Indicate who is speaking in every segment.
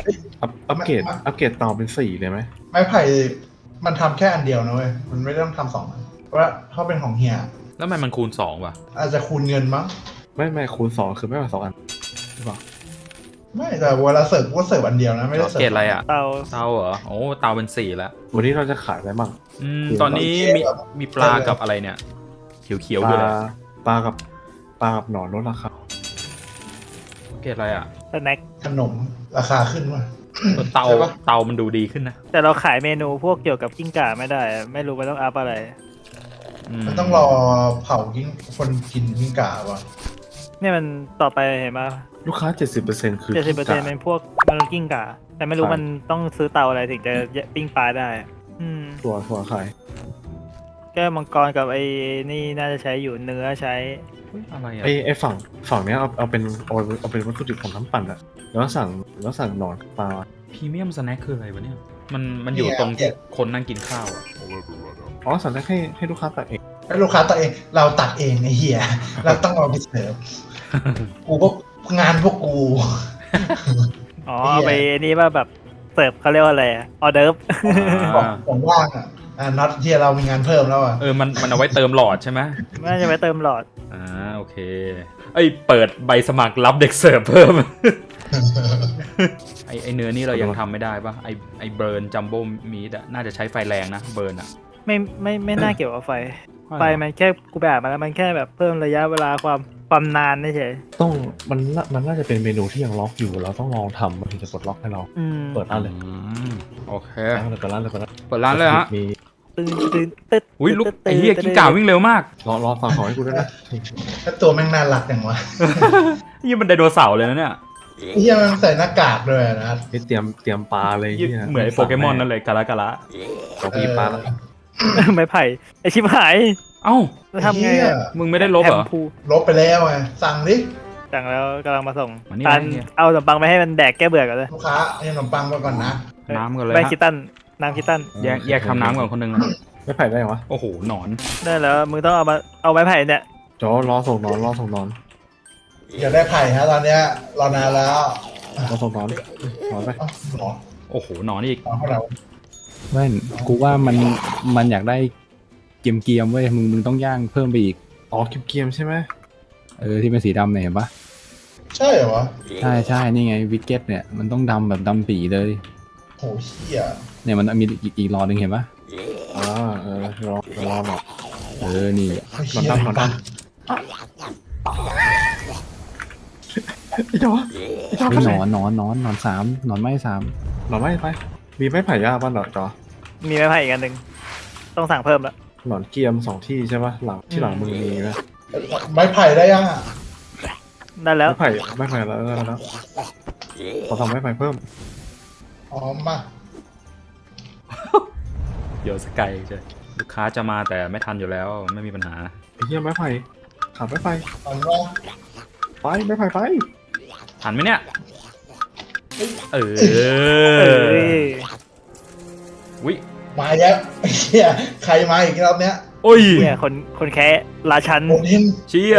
Speaker 1: อัปเกรดเตาเป็น4เลยไหม
Speaker 2: ไม้ไผ่มันทำแค่อันเดียวนะเว้ยมันไม่ต้องทำ2 อันเพราะว่าเขาเป็นของเฮีย
Speaker 3: แล้วทำไมมันคูณ2วะ
Speaker 2: อาจจะคูณเงินมั้ง
Speaker 1: ไม่คูณ2คือไม่ว่า2 อันหรือเปล่า
Speaker 2: ไม่แต่เวลาเสิร์ฟก็เสิร์ฟอันเดียวนะไม่ได้เสิร์ฟ
Speaker 3: เกรดอะไรอ่ะ
Speaker 4: เตา
Speaker 3: เตาเหรอโอ้เตาเป็น4แล้ว
Speaker 1: วันนี้เราจะขายอะไรบ้าง
Speaker 3: ตอนนี้มีปลากับอะไรเนี่ยเขียวๆอยู่เลย
Speaker 1: ปลากับหนอนลดราคา
Speaker 3: เกรดอะไรอ่ะ
Speaker 4: สแน็ค
Speaker 2: ขนมราคาขึ้นว่ะ
Speaker 3: เตา
Speaker 2: ใช่ปะ
Speaker 3: เตามันดูดีขึ้นนะ
Speaker 4: แต่เราขายเมนูพวกเกี่ยวกับกิ้งก่าไม่ได้อะไม่รู้มันต้องอัพอะไร
Speaker 2: มันต้องรอเผากิ้งคนกินกิ้งก่าว่ะ
Speaker 4: เนี่ยมันต่อไปเห็นไหม
Speaker 1: ลูกค้า 70%คือ
Speaker 4: 70%เป็นพวกมันกิ้งก่าแต่ไม่รู้มันต้องซื้อเตาอะไรถึงจะปิ้งปลาได้
Speaker 1: ถั่วขาย
Speaker 4: แก้วมังกรกับไอ้นี่น่าจะใช้อยู่เนื้อใช้
Speaker 3: อะไรอ่ะ
Speaker 1: ไอ้ฝั่งเนี้ยเอาเป็นวัตถุดิบของน้ำปั่นอะแล้วสั่งหนอนปลา
Speaker 3: พรีเมียมสแน็คคืออะไรวะเนี่ยมันอยู่ตรงที่คนนั่งกินข้าวอ่ะ
Speaker 1: อ๋อสั่งได้ให้ลูกค้าตัดเอง
Speaker 2: แล้วลูกค้าตัดเองเราตัดเองไอ้เหี้ยเราต้องเอาไปเสิร์ฟกูก็งานพวกกู
Speaker 4: อ๋อเอาไปนี่ว่าแบบเสิร์ฟเขาเรียกว่าอะไรออเดิร์ฟ
Speaker 2: ผมว่างน็อตที่เรามีงานเพิ่มแล้วอ่ะ
Speaker 3: มันเอาไว้เติมหลอดใช่ไหม
Speaker 4: น่าจะไปเติมหลอด
Speaker 3: โอเคเปิดใบสมัครรับเด็กเสิร์ฟเพิ่ม ไอเนื้อนี่เรายังทำไม่ได้ปะไอเบิร์นจัมโบ้มีดอะน่าจะใช้ไฟแรงนะเบิร์นอะ
Speaker 4: ไม่น่าเกี่ยวกับไฟมันแค่กูไปอ่านมาแล้วมันแค่แบบเพิ่มระยะเวลาความนานเฉย
Speaker 1: ต้องมันน่าจะเป็นเมนูที่ยังล็อกอยู่เราต้องลองทำมันถึงจะปลดล็อกให้เราเปิดร้านเลย
Speaker 3: โอเค
Speaker 1: เปิดร้านเลย
Speaker 3: เปิดร้านเลยฮะ
Speaker 1: มี
Speaker 4: ตื่นตึ๊ด
Speaker 3: อุ้ยลูกไอ้เหี้ยกิ้งก่าวิ่งเร็วมาก
Speaker 1: รอสั่งของให้กูด้วยนะ
Speaker 2: ถ้าตัวแม่งน่ารักอย่างวะ
Speaker 3: นี่มันไดโนเสาร์เลยนะเนี่ย
Speaker 2: ไอ้เหี้ยมันใส่หน้ากากด้วยนะ
Speaker 1: นี่เตรียมปลาเลยเนี่ย
Speaker 3: เหมือนไอ้โปเกมอนนั่นเลยกาละ
Speaker 1: เราพีปลาแล้ว
Speaker 4: ๆ ไม่ไผ่ไอชิบหาย
Speaker 3: เอ้า
Speaker 4: จะทำไง
Speaker 2: เหี้ย
Speaker 3: มึงไม่ได้ลบเหรอ
Speaker 4: แฮมพู
Speaker 2: ลบไปแล้วไงสั่งดิ
Speaker 4: สั่งแล้วกำลังมาส่ง
Speaker 3: มานี่
Speaker 4: ตัน
Speaker 3: มานี่
Speaker 4: เอาขนมปังไปให้มันแดกแก้เบื่อกันเลย
Speaker 2: ลูกค้าให้ขนมปังมาก่อนนะ
Speaker 3: น้ำก่อนเลย
Speaker 4: แบ
Speaker 3: ฮะ
Speaker 4: คิตันน้ำคิตัน
Speaker 3: แยกทำน้ำก่อนคนหนึงนะ
Speaker 1: ไม่ไผ่ได้เหรอวะ
Speaker 3: โอ้โหหนอน
Speaker 4: ได้แล้วมึงต้องเอาไม้ไผ่เนี่ย
Speaker 1: จอรอส่งนอน
Speaker 2: อยากได้ไผ่ฮะตอนเนี้ยรอนานแล้ว
Speaker 1: รอส่งนอนไป
Speaker 2: เอ้าหรอ
Speaker 3: โอ้โหหนอนอีก
Speaker 2: เอาเข้าเรา
Speaker 5: เว้นกูว่ามันอยากได้เกียมเว้ยมึงต้องย่างเพิ่มไปอีก
Speaker 1: อ๋อเกียมใช่ไหม
Speaker 5: ที่เป็นสีดำเนี่ยเห็นปะ
Speaker 2: ใช่เหรอวะ
Speaker 5: ใช่นี่ไงวิกเก็ตเนี่ยมันต้องดำแบบดำปีเลย
Speaker 2: โหเหี้ย
Speaker 5: เนี่ยมันมีอีกรอหนึ่งเห็นปะ
Speaker 1: รอหน่อย
Speaker 5: นี่
Speaker 2: เหี้ย
Speaker 1: มันตั้ง ไอ้จอ
Speaker 5: ไม่หนอนสามหนอนไม้3
Speaker 1: หนอนไม่ไปมีไม้ไผ่ย่างป่ะหนอนจอ
Speaker 4: มีไม้ไผ่อีกอันหนึ่งต้องสั่งเพิ่มแล้ว
Speaker 1: หนอนเกียม2 ที่ใช่ป่ะที่หลังมึงมีไหม
Speaker 2: ไม้ไผ่ได้ยังอ่ะ
Speaker 4: ได้แล้ว
Speaker 1: ไม้ไผ่แล้วขอทำไม้ไผ่เพิ่ม
Speaker 2: อ๋อมา
Speaker 3: เดี๋ยวสกายใช่ลูกค้าจะมาแต่ไม่ทันอยู่แล้วไม่มีปัญหา
Speaker 1: ไอ้เหี้ยไม้ไผ่ขาดไม้ไผ่
Speaker 2: ตอนว่า
Speaker 1: ไปไม้ไผ่ไป
Speaker 3: ทันไหมเนี่ย
Speaker 4: เออ
Speaker 3: วิ
Speaker 2: มาแล้วไอ้เหี้ยใครมาอีกรอบเนี้ย
Speaker 3: โอ้ย
Speaker 4: เนี่ยคนแค่ราชัน
Speaker 2: โอดิน
Speaker 3: เชี่ย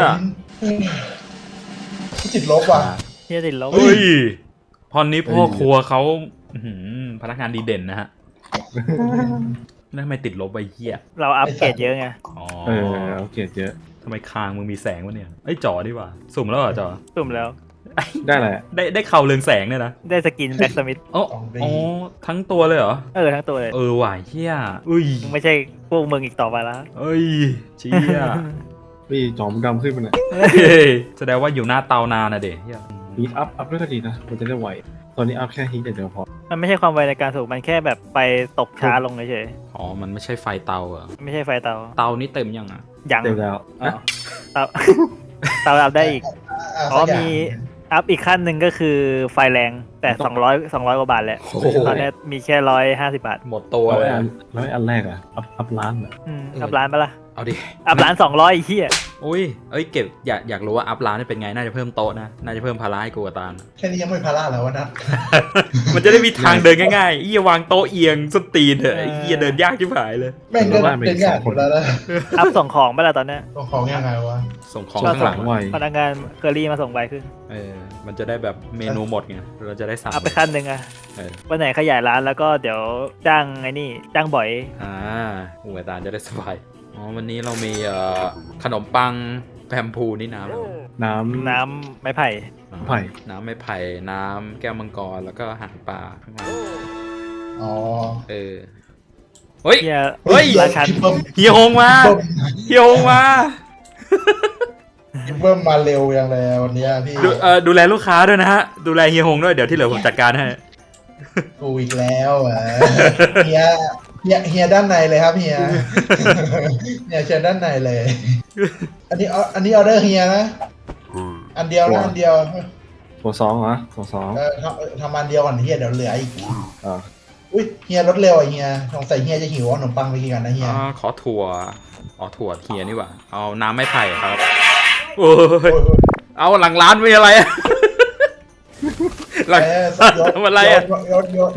Speaker 2: ติดลบว่ะ
Speaker 4: เฮียติดลบ
Speaker 3: เฮ้ยพอนนี้พ่อครัวเขาพนักงานดีเด่นนะฮะแล้วทำไมติดลบไปเหี้ย
Speaker 4: เราอัปเกรดเยอะไง
Speaker 3: อ๋อ
Speaker 1: เอาเกียรเยอะ
Speaker 3: ทำไมคางมึงมีแสงวะเนี่ยจ่อดีกว่าสุ่มแล้วเหรอจ่อ
Speaker 4: ตุ่มแล้ว
Speaker 1: ได้แหละ
Speaker 3: ได้เข่าเรืองแสงเนี่ยนะ
Speaker 4: ได้สกินแบ็กสมิธ
Speaker 3: อ๋อทั้งตัวเลยเหรอ
Speaker 4: ทั้งตัวเลย
Speaker 3: หว่ะเฮียอุ้ย
Speaker 4: มึงไม่ใช่พวกมึงอีกต่อไปแล้ว
Speaker 3: เอ้ยเชี่ย
Speaker 1: พี่จอมดำขึ้นไปเนี่ย
Speaker 3: แสดงว่าอยู่หน้าเตานานนะเด็กเฮีย
Speaker 1: ฮีทอัพด้วยก็ดีนะมันจะได้ไหวตอนนี้อัพแค่ฮีทเดียวพอ
Speaker 4: มันไม่ใช่ความไวในการสูบมันแค่แบบไปตกช้าลงเฉย
Speaker 3: อ๋อมันไม่ใช่ไฟเตาเหรอ
Speaker 4: ๆไม่ใช่ไฟเตา
Speaker 3: เตานี่เต็มยังอ่ะ
Speaker 4: ยัง
Speaker 1: เดี๋ยวแล้ว
Speaker 4: อ๋อเตา เตาอัพได้อีกอ๋อมีอัพอีกขั้นหนึ่งก็คือไฟแรงแต่200กว่าบาทแหละตอนนี้มีแค่150 บาท
Speaker 3: หมดตัว
Speaker 1: แล้ว
Speaker 3: เลย
Speaker 1: อันแรกอ่ะอัพร้านอ่ะ
Speaker 4: อัพร้านปะล่ะ
Speaker 3: เอาดิ
Speaker 4: อัพร้าน200ไอ้เหี้ย
Speaker 3: อุ้ยเอ้ยเก็บอยากรู้ว่าอัพร้านนี่เป็นไงน่าจะเพิ่มโต๊ะนะน่าจะเพิ่มภาระให้กูกับตาล
Speaker 2: แค่นี้ยังไม่พาราแล้ววะนะ
Speaker 3: มันจะได้มีทางเดินง่ายๆวางโต๊ะเอียงสตีนเถอะเดินยากชิบหายเลย
Speaker 2: แม่งก็เป็นยากหมดแล้วนะ
Speaker 4: อัพส่งของไปแล้วตอนเนี้ย
Speaker 2: ตัวของยังไงวะ
Speaker 3: ส่งของ
Speaker 1: ช่ว
Speaker 3: ข้างหลัง
Speaker 1: ไว
Speaker 4: พนักงานเคอรี่มาส่งใบขึ้น
Speaker 3: มันจะได้แบบเมนูหมดไงเราจะได้สั่ง
Speaker 4: อัพไปขั้นหนึ่งอะ
Speaker 3: เออ
Speaker 4: วันไหนขยายร้านแล้วก็เดี๋ยวจ้างไอ้นี่จ้างบ่อย
Speaker 3: หัวตาลจะได้สบายอ๋อวันนี้เรามีขนมปังแพมพูนี่น้ำ
Speaker 4: น้ำไม้ไผ่
Speaker 1: ไผ่
Speaker 3: น้ำไม้ไผ่น้ำแก้วมังกรแล้วก็หางปลาข้างล่าง
Speaker 2: อ๋อ
Speaker 3: เฮ้ย
Speaker 4: เฮีย
Speaker 3: เฮ้ย
Speaker 4: ราชัน
Speaker 2: พี่เบิ้ม
Speaker 3: เฮียฮงมาเฮียฮงมา
Speaker 2: พี่เบิ้มมาเร็วยังเลยวันนี้พี่
Speaker 3: ดูแลลูกค้าด้วยนะฮะดูแลเฮียฮงด้วยเดี๋ยวที่เหลือผมจัดการให้
Speaker 2: กูอีกแล้วอ่ะเฮียด้านในเลยครับเฮียเชิญด้านในเลย อันนี้ออเดอร์เฮียนะอันเดียวนะอันเดียว
Speaker 1: ตัวสองเหรอตัวสอง
Speaker 2: ทำอันเดียวก่อนเฮียเดี๋ยวเหลืออีก
Speaker 1: อ่า
Speaker 2: อุ้ยเฮียรถเร็วอ่ะเฮียสงสัยเฮียจะหิวขนมปังไปกินกันนะเฮีย
Speaker 3: ขอถั่วถั่วเฮียนี่หว่าเอาน้ำไม้ไผ่ครับโอ้ยเอาหลังร้านไม่อะไรอะหลังทำอะไรอะ
Speaker 2: ยศ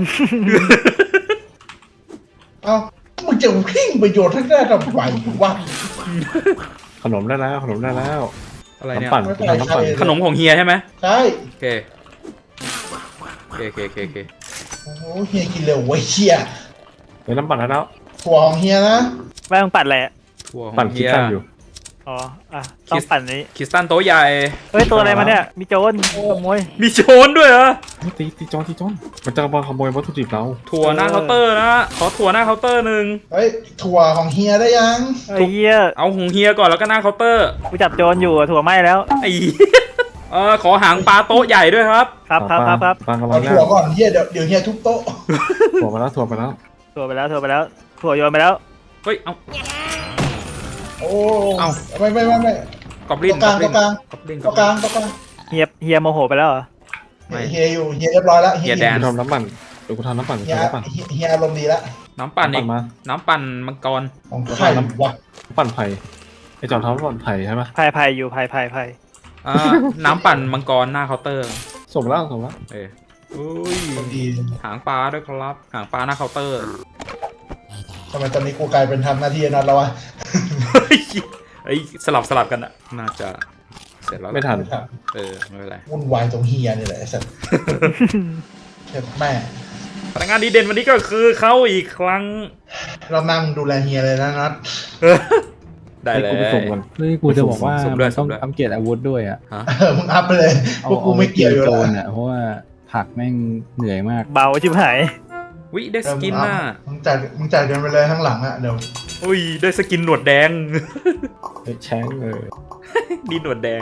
Speaker 2: เอ้ามึงจะขิ้งประโยชน์ทั้งได้ทำไมวะ
Speaker 1: ขนมได้แล้วขนมได้แล้ว
Speaker 3: อะไรเนี่ย
Speaker 1: น้ำปั่น
Speaker 2: ไม่เป็นไร
Speaker 1: น้ำปั่น
Speaker 3: ขนมของเฮียใช่ไหม
Speaker 2: ใช่
Speaker 3: โอเคโอเค
Speaker 2: โอ้โหเฮียกินเร็วเว้ยเฮีย
Speaker 1: เดี๋ยวน้ำปั่นได้แล้ว
Speaker 2: ถั่วของเฮียนะ
Speaker 4: ไม่ต้องปัดอะไรอะ
Speaker 3: ถั่วข
Speaker 1: ปั่
Speaker 3: อน ง
Speaker 1: คิ
Speaker 3: เฮี
Speaker 1: ด
Speaker 3: ย
Speaker 1: กันอยู่
Speaker 4: อ๋ออ่ะต้องปั่นนี้
Speaker 3: คริสตันโต๊ะใหญ่
Speaker 4: เฮ้ยตัวอะไรมาเนี่ยมีโจรขโมย
Speaker 3: มีโจรด้วยเหรอ
Speaker 1: ตีจอนมันจะมาขโมยวัตถุดิบเรา
Speaker 3: ถั่วหน้าเคาน์เตอร์นะขอถั่วหน้าเคาน์เตอร์หนึ่ง
Speaker 2: เฮ้ยถั่วของเฮียได้ยัง
Speaker 4: ไอ้เหี้ย
Speaker 3: เอาของเฮียก่อนแล้วก็หน้าเคาน์เตอร์
Speaker 4: กูจับโจรอยู่อะถั่วไหม้แล้ว
Speaker 3: ไอ้ขอหางปลาโต๊ะใหญ่ด้วยครับ
Speaker 4: ครับ
Speaker 1: ปลากำลั
Speaker 2: เอา
Speaker 1: งแล้
Speaker 2: ถั่ว
Speaker 1: ว
Speaker 2: ก่อนเฮียเดี๋ยวเฮียทุบโต๊ะ
Speaker 1: ถั่วไปแล้ว
Speaker 4: ถั่วไปแล้วถั่วโยนไปแล้ว
Speaker 3: เฮ้ยเอา
Speaker 2: โอ้
Speaker 3: เอ้า
Speaker 2: ไม่
Speaker 3: กอบลิน
Speaker 2: กลาง
Speaker 3: กอบลิน
Speaker 2: ตรงกลาง
Speaker 4: เฮียโมโหไปแล้วเหรอ
Speaker 2: เฮียอยู่เฮียเรียบร้อยแล้ว
Speaker 3: เฮียแดน
Speaker 1: กูทำน้ำปั่นเดี๋ยวกูทำน้ำปั่น
Speaker 2: เฮียอารมณ์ดีแล้ว
Speaker 3: น้ำปั่นอีก
Speaker 1: มา
Speaker 3: น้ำปั่นมังกร
Speaker 2: ของไข่วะ
Speaker 1: น้ำปั่นไผ่ไอจอนทำน้ำปั่นไผ่ใช่ไหม
Speaker 4: ไผ่อยู่ไผ่
Speaker 3: น้ำปั่นมังกรหน้าเคาน์เตอร์
Speaker 1: ส่งแล้ว
Speaker 3: อุ้ย
Speaker 2: ดี
Speaker 3: หางปลาด้วยครับหางปลาหน้าเคาน์เตอร์
Speaker 2: ทำไมตอนนี้กูกลายเป็นทำหน้าที่นัดแล้ววะ
Speaker 3: เฮ้ยสลับกันอะน่าจะเสร็จแล้ว
Speaker 1: ไม่ทัน
Speaker 3: ไม่เป็นไร
Speaker 2: วุ่นวายตรงเฮียนี่แหละไอ้สัสเจ็บแม่
Speaker 3: พนักงานดีเด่นวันนี้ก็คือเขาอีกครั้ง
Speaker 2: เรานั่งดูแลเฮียเลยนะนัด
Speaker 3: ได้เลย
Speaker 1: กูไปส่งกัน
Speaker 5: เฮ้ยกูจะบอกว่า
Speaker 3: สุ่ม
Speaker 5: มัน
Speaker 3: ด้วย
Speaker 5: ต้อง
Speaker 3: สุ่มด้วย
Speaker 5: อัปเกรดอาวุธด้วยอ่ะ
Speaker 2: มึงอัพไปเลยพวกกูไม่เกี่ยวอยู่
Speaker 5: โจ
Speaker 2: แล้ว
Speaker 5: รอ่ะเพราะว่าผักแม่งเหนื่อยมาก
Speaker 4: เบาชิบหาย
Speaker 3: วิได้สกินน่ะ
Speaker 2: มึงจ่ายกันไปเลยข้างหลังอ่ะเดี๋ยว
Speaker 3: อุ้ยได้สกินหนวดแดง
Speaker 1: แช้ง
Speaker 3: ดีหนวดแดง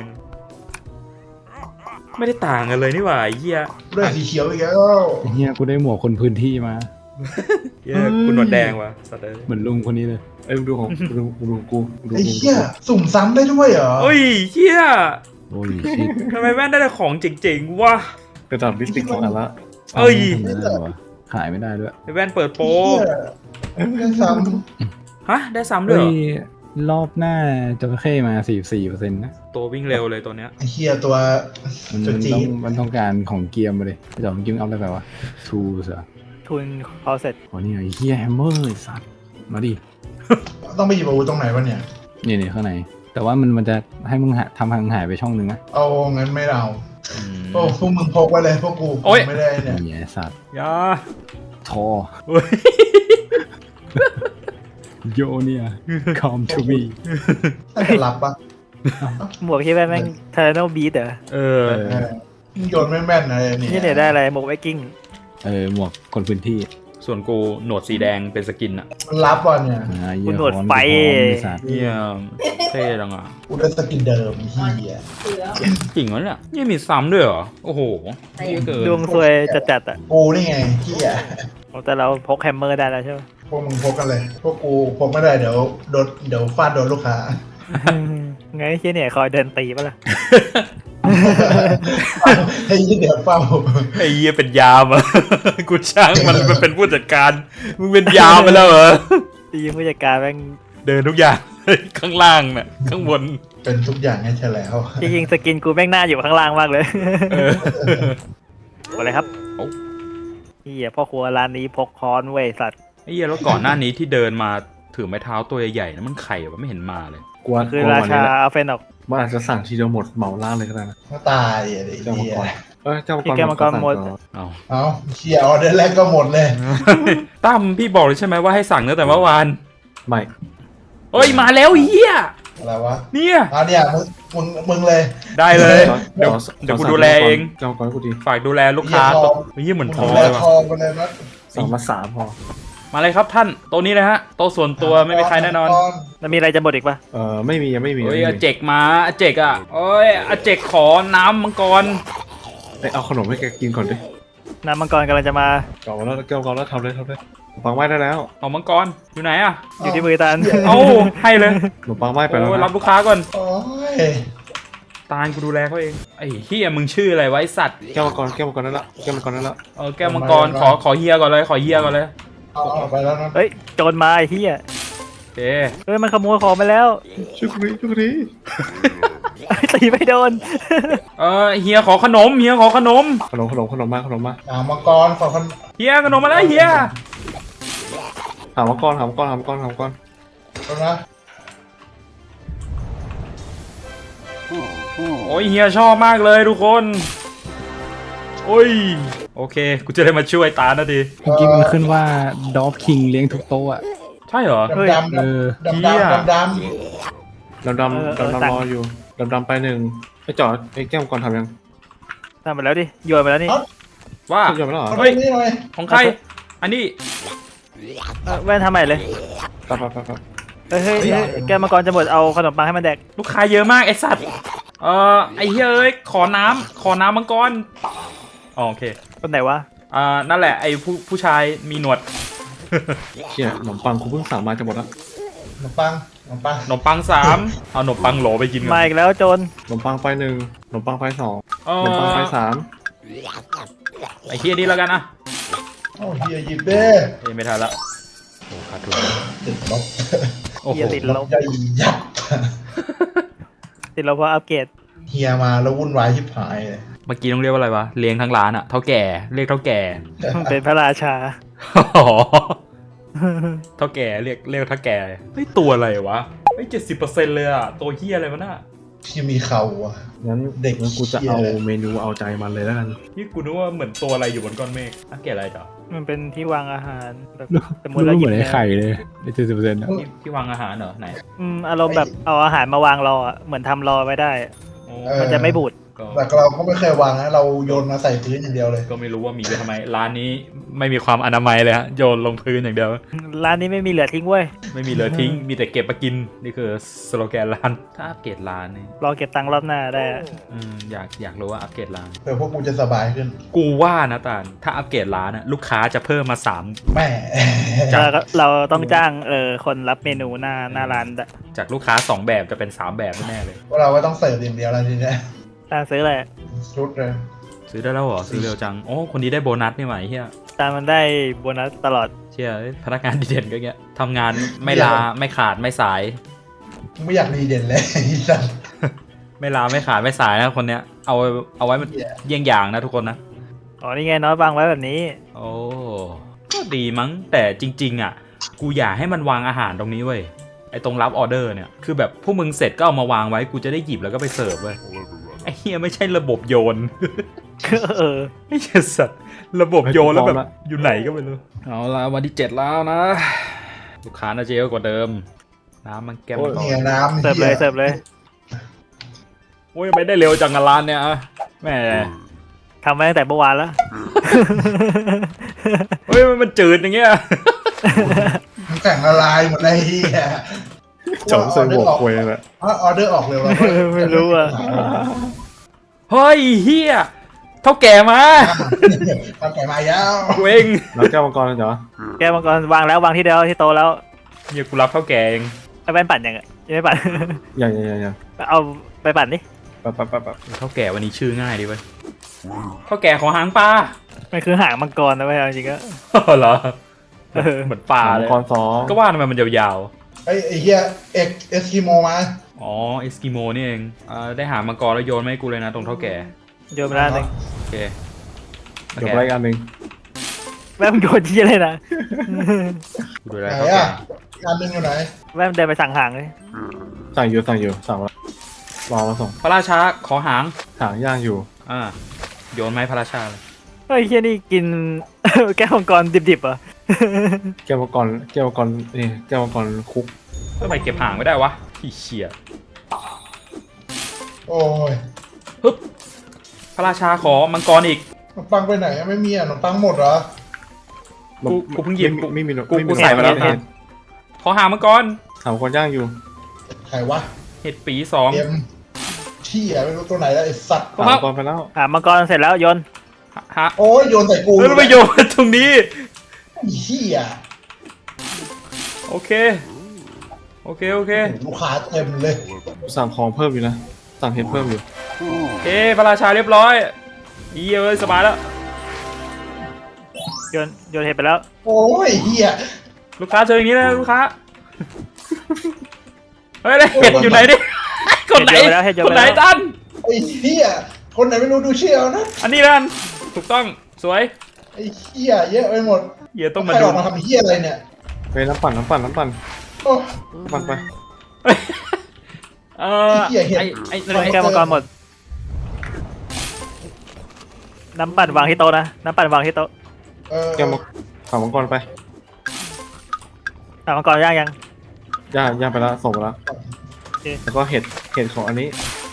Speaker 3: ไม่ได้ต่างกันเลยนี่หว่าไอ้เหี้ย
Speaker 2: เรื่องสีเขียวอีกแล้ว
Speaker 5: เฮียกูได้หมวกคนพื้นที่มา
Speaker 3: เหี้ยคุณหนวดแดงว่ะสัตว์เลย
Speaker 5: เหมือนลุงคนนี้เลย
Speaker 1: เอ้ยดูของดูกู
Speaker 2: ไอ้เหี้ยสุ่มซ้ำได้ด้วยเหรอ
Speaker 3: เฮ้ยเหี้ย
Speaker 5: โอ้ยชิด
Speaker 3: ทำไมแว่นได้แต่ของเจ๋งๆวะ
Speaker 1: กระดาษลิปสติกของอันละ
Speaker 3: เอ้ย
Speaker 5: ทำไมได้วะขายไม่ได้ด้วย
Speaker 3: ไอ้แว่นเปิดโปร
Speaker 2: ไอ้เหี้ยได้ซ้
Speaker 3: ฮะได้ซ้ำด้วย
Speaker 5: เฮ้
Speaker 3: เหร
Speaker 5: ย
Speaker 3: อ
Speaker 5: รอบหน้าจระเข้มา 44%นะ
Speaker 3: ตัววิ่งเร็วเลยตัวเนี้ย
Speaker 2: ำไอ้เหี้ยตัว
Speaker 5: มัน
Speaker 2: จุดจี
Speaker 5: มันต้องการของเกียร์มาเลยพี่จอมเกียร์เอาอะไรไปวะทูสอะ
Speaker 4: ทุนเขาเสร็จ
Speaker 5: โอ้นี่ไอ้เฮียแฮมเมอร์ไอ้สัตว์มาดิ
Speaker 2: ต้องไปหยิบอาวุธตรงไหนวะเนี่ย
Speaker 5: นี่ข้างในแต่ว่ามันจะให้มึงทำทางหายไปช่องนึงนะ
Speaker 2: เอางั้นไม่เอา
Speaker 3: อืม
Speaker 2: โอ้พวกมึงพกไว้เลยพวกกู
Speaker 3: โอ๊ย
Speaker 2: ไม่ได้เนี่ย
Speaker 5: นี่ไอ้สัตว์
Speaker 3: อยา
Speaker 5: ทอ
Speaker 3: เฮ้ย
Speaker 5: โยเนี่ย come to me
Speaker 2: ถ้าจะรับปะ
Speaker 4: หมวกที่แม่งเทอร์โนบีทเหรอ
Speaker 3: เออ
Speaker 2: เออมึงโยนไม่แม่นอะไรเนี่ย
Speaker 4: นี่เนี่ยได้อะไรหมวกไวกิ้ง
Speaker 5: หมวกคนพื้นที่
Speaker 3: ส่วนกูหนวดสีแดงเป็นสกินอะ
Speaker 2: มันรับว่ะเนี่ย
Speaker 5: เหี้ย
Speaker 4: คุณหนวด
Speaker 5: ฮ้อน
Speaker 4: ไฟ
Speaker 5: ฮ้อนไอ้สัตว์
Speaker 3: เยี่ยมเท่จังอะ
Speaker 2: กูได้สกินเดิมเฮีย
Speaker 3: จริงเหรอเนี่ยยังมีซ้ำด้วยเหรอโอ้โหเยอะเกิน
Speaker 4: ดวงซวยจัดๆอ่ะ
Speaker 2: กูนี่ไงเฮีย
Speaker 4: แต่เราพกแฮมเมอร์ได้แล้วใช่ไหม
Speaker 2: พวกมึงพกกันเลย พวกกูพกไม่ได้เดี๋ยวฟาดโดนลูกค้า
Speaker 4: ไงเชี่ยเนี่ยคอยเดินตีปะล่ะ
Speaker 2: ให้ยี่เดี๋ยวเฝ้า
Speaker 3: ไอ้เหี้ยเป็นยามอะ กูช่างมันเป็นผู้จัดการมึงเป็นยามไปแล้วเหรอ
Speaker 4: ตีผู้จัดการแม่ง
Speaker 3: เดินทุกอย่างข้างล่างน่ะข้างบน
Speaker 2: เป็นทุกอย่างให้ฉันแล้ว
Speaker 4: จริงๆสกินกูแม่งหน้าอยู่ข้างล่างมากเลย
Speaker 3: เออ
Speaker 4: อะไรครับ
Speaker 3: โอ้
Speaker 4: เฮียพ่อครัวร้านนี้พกค้อนเว้ยสัตว์
Speaker 3: ไอ้เหี้ยแล้วก่อนหน้านี้ที่เดินมาถือไม้เท้าตัวใหญ่ๆนะมันไข่วะไม่เห็นมาเลย
Speaker 1: กวน
Speaker 4: คือก
Speaker 1: วน
Speaker 4: รา
Speaker 1: วัน
Speaker 4: ชา
Speaker 1: นี้แหละ
Speaker 4: เอาเฟนออก
Speaker 1: มันอาจจะสั่งทีเดียวหมดเหมาล่าเลยก็ได้นะ
Speaker 2: ก็ตายอ่ะดิ
Speaker 1: เจ้ามัง
Speaker 2: เฮี
Speaker 1: ก
Speaker 2: ย
Speaker 1: รเจ้ามังกร
Speaker 4: แก้วมังกรหมด
Speaker 3: เอา
Speaker 2: เอ้าเชียร์ออเดอร์แรกก็หมดเลย
Speaker 3: ตั้มพี่บอกเลยใช่ไหมว่าให้สั่งตั้งแต่เมื่อวาน
Speaker 1: ไม่
Speaker 3: เอ้ยมาแล้วเฮีย
Speaker 2: อะไรวะ
Speaker 3: เนี่ย
Speaker 2: เนี่ยมึงเลย
Speaker 3: ได้เลย
Speaker 1: เดี๋ยว
Speaker 3: เดี๋ยวกูดูแลเอง
Speaker 1: เจ้ามังกรกูดี
Speaker 3: ฝากดูแลลูกค้า
Speaker 2: เหี้ยทอง
Speaker 3: เฮียเหมือนท
Speaker 2: มึ
Speaker 3: อง
Speaker 2: ง
Speaker 3: เลย
Speaker 2: ท
Speaker 3: ว่ะ
Speaker 2: องไปเลยนะ
Speaker 1: สั่งมา3พอ
Speaker 3: มาเลยครับท่านโต๊ะนี้เลยฮะโต๊ะส่วนตัวไม่มีใครแน่นอน
Speaker 4: แล้วมีอะไรจะหมดอีกปะ
Speaker 1: ไม่มียังไม่มี
Speaker 3: เฮ้ย
Speaker 1: ไม่
Speaker 3: อา
Speaker 1: มี
Speaker 3: เจกมาอาเจกอ่ะเอ้ยอาเจกขอน้ำมังกร
Speaker 1: เอาขนมให้แกกินก่อนดิ
Speaker 4: น้ำมังกรกำลังจะมา
Speaker 1: เก่าแล้วเก่าแล้วทำเลยปังไหม้ได้แล้ว
Speaker 3: เอามังกรอยู่ไหนอ่ะ
Speaker 4: อยู่ที่มือตาล
Speaker 3: เอาให้เลย
Speaker 1: ขนมปังไหม้ไปแล้ว
Speaker 3: โอ้ย
Speaker 1: นะ
Speaker 3: รับลูกค้าก่อน
Speaker 2: โอ้ย
Speaker 3: ตาลกูดูแลเขาเองไอ้เฮียมึงชื่ออะไรไวะไอ้สัตว์
Speaker 1: แก้วมังกรนั่นละแก้วมังกรนั่นละ
Speaker 3: แก้วมังกรขอเฮียก่อนเลยขอเฮียก่อนเลย
Speaker 2: เอาไปแล้วนะ
Speaker 4: เฮ้ยโจรมาไอ้เฮีย
Speaker 3: โอเค
Speaker 4: เฮ้ยมันขโมยของไปแล้ว
Speaker 1: ช่วยกูดี
Speaker 4: ตีไม่โดน
Speaker 3: เฮียขอขนมเฮียขอขนม
Speaker 1: ขนมมา
Speaker 2: มังกรขอคน
Speaker 3: เฮียขนมมาแล้วเฮีย
Speaker 1: หามังกร
Speaker 2: คนนะ
Speaker 3: โอ้ยเฮียชอบมากเลยทุกคนโอ้ยโอเคกูจะได้มาช่วยตาลนะดี
Speaker 5: เมื่อกี้มันขึ้นว่าดอฟคิงเลี้ยงทุกโต๊ะอะ
Speaker 3: ใช่เหรอ
Speaker 2: ดำ
Speaker 5: เออ
Speaker 2: ดำ
Speaker 1: ดำรออยู่ดำไปหนึ่งไอ้จอดไอ้แก้วมังกรทำยัง
Speaker 4: ทำไปแล้วดิโยนไปแล้วนี่
Speaker 3: ว่า
Speaker 1: ยอมแล้วเหรอ
Speaker 2: เฮ้ยนี่หน่อย
Speaker 3: ของใครอันนี้
Speaker 4: แว่นทำใหม่เลย
Speaker 1: ไป
Speaker 4: เฮ้ยแกวมังกรจะหมดเอาขนมปังให้มันแดก
Speaker 3: ลูกค้าเยอะมากไอสัตว์ไอเฮียเอ้ยขอน้ำมังกรอ๋อโอเค
Speaker 4: คนไหนวะ
Speaker 3: นั่นแหละไอผู้ชายมีหนวด
Speaker 1: เชี่ยขนมปังกูเพิ่งสั่งมาจะหมดแล้ว
Speaker 2: ขนมปัง
Speaker 3: ขนมปัง3เอาขนมปังโหลไปกินกั
Speaker 4: มาอีกแล้วโจร
Speaker 1: ขนมปังไป1ขนมปังไป2ขนมปังไป3
Speaker 3: ไอเฮียนี่แล้วกันอะ
Speaker 2: โอ้เฮียหยิบเด้
Speaker 3: เอ้ยไม่ทันละโอ้ขาดทุน
Speaker 2: ติดลบ
Speaker 3: โอ้โห
Speaker 4: เฮียติดลบ
Speaker 2: ใหญ่ยับ
Speaker 4: ติดลบเพราะอัปเกรด
Speaker 2: เฮียมาแล้ววุ่นวายชิบหายเลย
Speaker 3: เมื่อกี้ต้องเรียกว่าอะไรวะเลี้ยงทั้งร้านอะเท่าแก่เรียกเท่าแก่
Speaker 4: มันเป็นพระราชา
Speaker 3: อ๋อเท่าแก่เรียกเท่าแก่เฮ้ยตัวอะไรวะเฮ้ย70%เลยอะตัวเฮียอะไรวะน่ะ
Speaker 2: ที่มีเขาอ่ะ
Speaker 1: งั้น
Speaker 2: เด็ก
Speaker 1: งั้นกูจะเอา
Speaker 2: เหี้ย
Speaker 1: เมนูเอาใจมันเลยแล้วกัน
Speaker 3: นี่กูนึกว่าเหมือนตัวอะไรอยู่บนก้อนเมฆอัปเกรดอะไรจ้ะ
Speaker 4: มันเป็นที่วางอาหารแบบสมม
Speaker 5: รู้
Speaker 4: ติเราห
Speaker 5: เห
Speaker 4: ยิ
Speaker 5: มื
Speaker 4: บ
Speaker 5: อนไอ้ไข่เลยใน70%อะ
Speaker 3: ที่วางอาหารเหรอไหน
Speaker 4: อารมณ์แบบเอาอาหารมาวางรออะเหมือนทำรอไว้ได้
Speaker 3: โอ้
Speaker 4: มันจะไม่บูด
Speaker 3: ก็
Speaker 2: แต่เราก็ไม่เคยวางนะเราโยนมาใส่พื้นอย่างเดียวเลย
Speaker 3: ก็ไม่รู้ว่ามีไว้ทำไมร้านนี้ไม่มีความอนามัยเลยฮะโยนลงพื้นอย่างเดียว
Speaker 4: ร้านนี้ไม่มีเหลือทิ้งเว้ย
Speaker 3: ไม่มีเหลือทิ้ง มีแต่เก็บมากิน นี่คือสโลแกนร้าน ถ้าอัปเกรดร้านนี่
Speaker 4: รอเก็บตังค์รอบหน้าได้อะ
Speaker 3: อยากรู้ว่าอัปเกรดร้าน
Speaker 2: เพื่อพวกกูจะสบายขึ้น
Speaker 3: กูว่านะตาลถ้าอัปเกรดร้านอะลูกค้าจะเพิ่มมา
Speaker 2: แม่
Speaker 4: เราต้องจ้างคนรับเมนูหน้าร้าน
Speaker 3: 3 จากลูกค้า 2 แบบจะเป็น 3 แบบแน่ๆเลย
Speaker 2: พวกเราก็ต้องเสิร์ฟอย่างเดียวแล้วทีเนี้ย
Speaker 4: ตาซื้ออะไร
Speaker 2: ชุดเลย
Speaker 3: ซื้อได้แล้วเหรอ ซื้อเร็วจัง โอ้คนนี้ได้โบนัสนี่หว่าไอ้เฮีย
Speaker 4: ตามันได้โบนัสตลอด
Speaker 3: เชี่ยพนักงานดีเด่นก็เงี้ยทำงานไม่ลาไม่ขาดไม่สาย
Speaker 2: ไม่อยากดีเด่นเลยไอ้สัส
Speaker 3: ไม่ลาไม่ขาดไม่สายนะคนเนี้ยเอาไว้มันเยี่ยงอย่างนะทุกคนนะ
Speaker 4: อ๋อนี่ไงน้อยวางไว้แบบนี้
Speaker 3: โอ้ก็ดีมั้งแต่จริงๆอ่ะกูอยากให้มันวางอาหารตรงนี้เว้ยไอ้ตรงรับออเดอร์เนี่ยคือแบบพวกมึงเสร็จก็เอามาวางไว้กูจะได้หยิบแล้วก็ไปเสิร์ฟเว้ยไอ้เฮียไม่ใช่ระบบโยน ไอ้เหี้ยสัตว์ระบบโยนแล้วแบบอยู่ไหนก็ไม่รู้เอาละวันที่ 7 แล้วนะลูกค้าน่าจะเยอะกว่าเดิมน้ำมันแก้มต่อ
Speaker 2: เนี่ยน้ำ
Speaker 4: เสิร์ฟเลย
Speaker 3: โอ้ยไม่ได้เร็วจังอะร้านเนี่ยอะแหม่
Speaker 4: ทำมาตั้งแต่เมื่อวานแล้ว
Speaker 3: เฮ้ยมันจืดอย่างเงี้ย
Speaker 2: มันแข็งละลายหมดเลยเฮีย
Speaker 1: จอมใส่หัวควยเลย
Speaker 2: ออเดอร์ออกเร็ว
Speaker 4: ไม่รู้อะ
Speaker 3: เฮ้ยเฮียเท่าแก่มา
Speaker 2: ทำแก่มายาว
Speaker 3: กูเอง
Speaker 1: แล้วแก้วมังกรเหรอ
Speaker 4: แกวมังกรวางแล้ววางที่เดียวที่โตะแล้ว
Speaker 3: เฮียกูรับเท่าแก่เอง
Speaker 4: ไอ้แว่นปั่นยังไม่ปั่น
Speaker 1: ยัง
Speaker 4: เอาไปปั่นดิ
Speaker 1: ปั๊บ
Speaker 3: เท่าแก่วันนี้ชื่อง่ายดีเว้ยเท่าแก่ของหางปลา
Speaker 4: มันคือหางมังกรนะเว้ยเอาจริงก็
Speaker 3: เหรอเหมือนปลา
Speaker 1: มั
Speaker 3: เล
Speaker 1: ง
Speaker 3: ย
Speaker 1: กร2
Speaker 3: ก็ว่าทำไมมันยาว
Speaker 2: ไอ้เฮียเอสกิโมมา
Speaker 3: อ๋อเอสกิโมนี่เองได้หามังกรแล้วโยนมาให้กูเลยนะตรงเท่าแก่
Speaker 4: โยนไปแล้วหนึ่ง
Speaker 3: โอเค
Speaker 5: เดี๋ยวไปอีกอันหนึ่ง
Speaker 4: แม่งโยนที่เลยนะ
Speaker 3: กูดูแล
Speaker 2: ไหน
Speaker 3: เท่าแก่
Speaker 2: อ่ะงานหนึงอยู่ไหน
Speaker 4: แม่งเดินไปสั่งหางเลย
Speaker 5: สั่งอยู่สั่งแล้วรอมาส่ง
Speaker 3: พระราชาขอหาง
Speaker 5: หางย่างอยู่
Speaker 3: โยนไมาให้พระราชาเลย
Speaker 4: เฮ้ยเฮียนี่กิน แก้วมังกรดิบๆเหรอ
Speaker 5: แก้วมังกรนี่แก้วมังกรคุก
Speaker 3: ทำไมเก็บหางไม่ได้วะที่เชี่ย
Speaker 2: โอ้ย
Speaker 3: ฮึบพระราชาขอมังกรอีก
Speaker 2: ขนมปังไปไหนอะไม่มีอะขนมปังหมดเหรอ
Speaker 3: กูเพิ่งหยิบ
Speaker 5: ไม่มี
Speaker 3: กูใส่มาแล้ว
Speaker 5: เห็ด
Speaker 3: ขอหางมังกร
Speaker 5: หางมังกรย่างอยู่
Speaker 2: ใครวะ
Speaker 3: เห็ดปีสอง
Speaker 2: เอ็มที่อะไม่รู้ตัวไหนแล้วไอ้สัตว์
Speaker 5: หางมังกรไปแล้ว
Speaker 4: หามังกรเสร็จแล้วโยน
Speaker 3: ฮะ
Speaker 2: โอ้ยโยนใส่กู
Speaker 3: เฮ้ยแล้วไปโยนตรงนี้
Speaker 2: ไอ้เฮีย
Speaker 3: โอเค โอเค โอเค
Speaker 2: ลูกค้าเต็มเลย
Speaker 5: สั่งของเพิ่มอยู่นะ สั่งเห็ดเพิ่มอยู่
Speaker 3: เอ้พระราชาเรียบร้อยอีเอ้ยสบายแล้ว
Speaker 4: โยนเห็ดไปแล้ว
Speaker 2: โอ้ยเฮีย
Speaker 3: ลูกค้าเจออย่างนี้นะลูกค้า เฮ้ยแล้วเห็ดอยู่ไหนดิคนไหน
Speaker 4: เห็ดโยน
Speaker 3: ค
Speaker 4: ไป
Speaker 3: น
Speaker 4: แล้ว
Speaker 3: ไหนตัน
Speaker 2: ไอ้เฮียคนไหนไม่รู้ดูเชี่ยวนะ
Speaker 3: อันนี้นั่นถูกต้องสวย
Speaker 2: ไอ้เฮียเยอะไปหมด
Speaker 3: เหี้ยต้องมา
Speaker 2: ใคร
Speaker 3: ดู
Speaker 2: ออกมาทำเฮียอะไรเนี่ย
Speaker 5: ไปน้ำปั่น
Speaker 2: โอ้
Speaker 5: ปั่นไป
Speaker 3: ไอ้
Speaker 4: แก้วมังกรหมด น้ำปั่นวางที่โต๊ะนะ น้ำปั่นวางที่โต๊ะ
Speaker 5: แก้วมังหางมังกรไป
Speaker 4: หามังกรย่างยัง
Speaker 5: ย่างไปแล้วส่งไปแล้ว
Speaker 4: โอเค
Speaker 5: แล้วก็เห็ดของอันนี้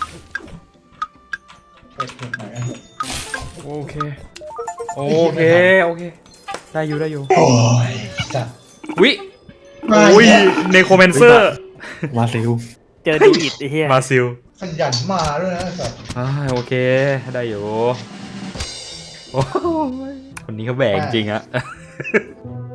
Speaker 3: โอเค โอเค โอเค ได้อยู่ได้อยู่
Speaker 2: โอ้ยจัด
Speaker 3: วิ
Speaker 2: มา
Speaker 3: โอ้ย
Speaker 2: อีกแล้ว
Speaker 3: เนโครแมนเซอร์
Speaker 5: มาซิล
Speaker 4: เจอดีอิดไอ้เหี้ย
Speaker 3: มาซิล
Speaker 2: ขยันมาด้วยนะสัตว์
Speaker 3: โอเค ได้อยู่โอ้ยคนนี้เขาแบกจริงอะ